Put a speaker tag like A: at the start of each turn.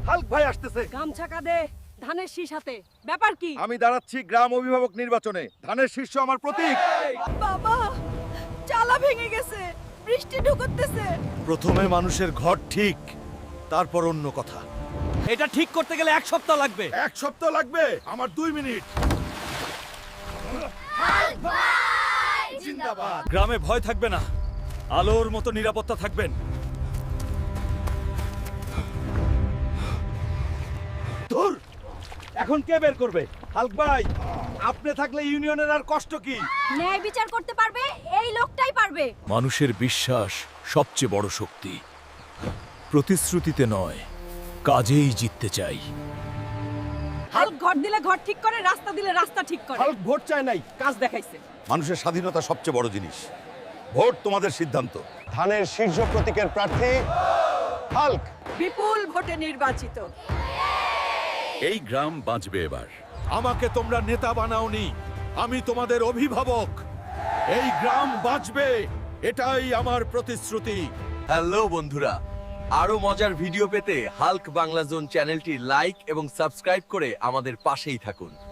A: Hulk ভাই আসতেছে।
B: গামছা কাঁধে ধানের শীষ হাতে, ব্যাপার কি?
A: আমি দাঁড়াচ্ছি গ্রাম অভিভাবক নির্বাচনে, ধানের শীর্ষ আমার প্রতীক।
B: বাবা, চালা ভেঙে গেছে, বৃষ্টি ঢুকতেছে।
A: প্রথমে মানুষের ঘর ঠিক, তারপর অন্য কথা।
C: এটা ঠিক করতে গেলে 1 সপ্তাহ লাগবে।
A: 1 সপ্তাহ লাগবে, আমার 2 মিনিট। জিন্দাবাদ।
C: গ্রামে ভয় থাকবে না, আলোর মতো নিরাপত্তা থাকবেন।
A: ধুর, এখন কে বের করবে? হাল্ক ভাই, আপনি থাকলে ইউনিয়নের আর কষ্ট কি?
B: ন্যায় বিচার করতে পারবে এই লোকটাই পারবে।
C: মানুষের বিশ্বাস সবচেয়ে বড় শক্তি। প্রতিশ্রুতিতে নয়, কাজেই জিততে চাই।
B: হাল্ক ঘর দিলে ঘর ঠিক করে, রাস্তা দিলে রাস্তা ঠিক করে।
A: হাল্ক ভোট চায় নাই,
B: কাজ দেখাইছে।
A: মানুষের স্বাধীনতা সবচেয়ে বড় জিনিস। ভোট তোমাদের সিদ্ধান্ত।
D: ধানের শীর্ষ প্রতীকের প্রার্থী হাল্ক।
B: বিপুল ভোটে নির্বাচিত।
E: এই গ্রাম বাঁচবে এবার।
A: আমাকে তোমরা নেতা বানাওনি, আমি তোমাদের অভিভাবক। এই গ্রাম বাঁচবে, এটাই আমার প্রতিশ্রুতি।
F: হ্যালো বন্ধুরা, আরো মজার ভিডিও পেতে হাল্ক বাংলা জোন চ্যানেলটি লাইক এবং সাবস্ক্রাইব করে আমাদের পাশেই থাকুন।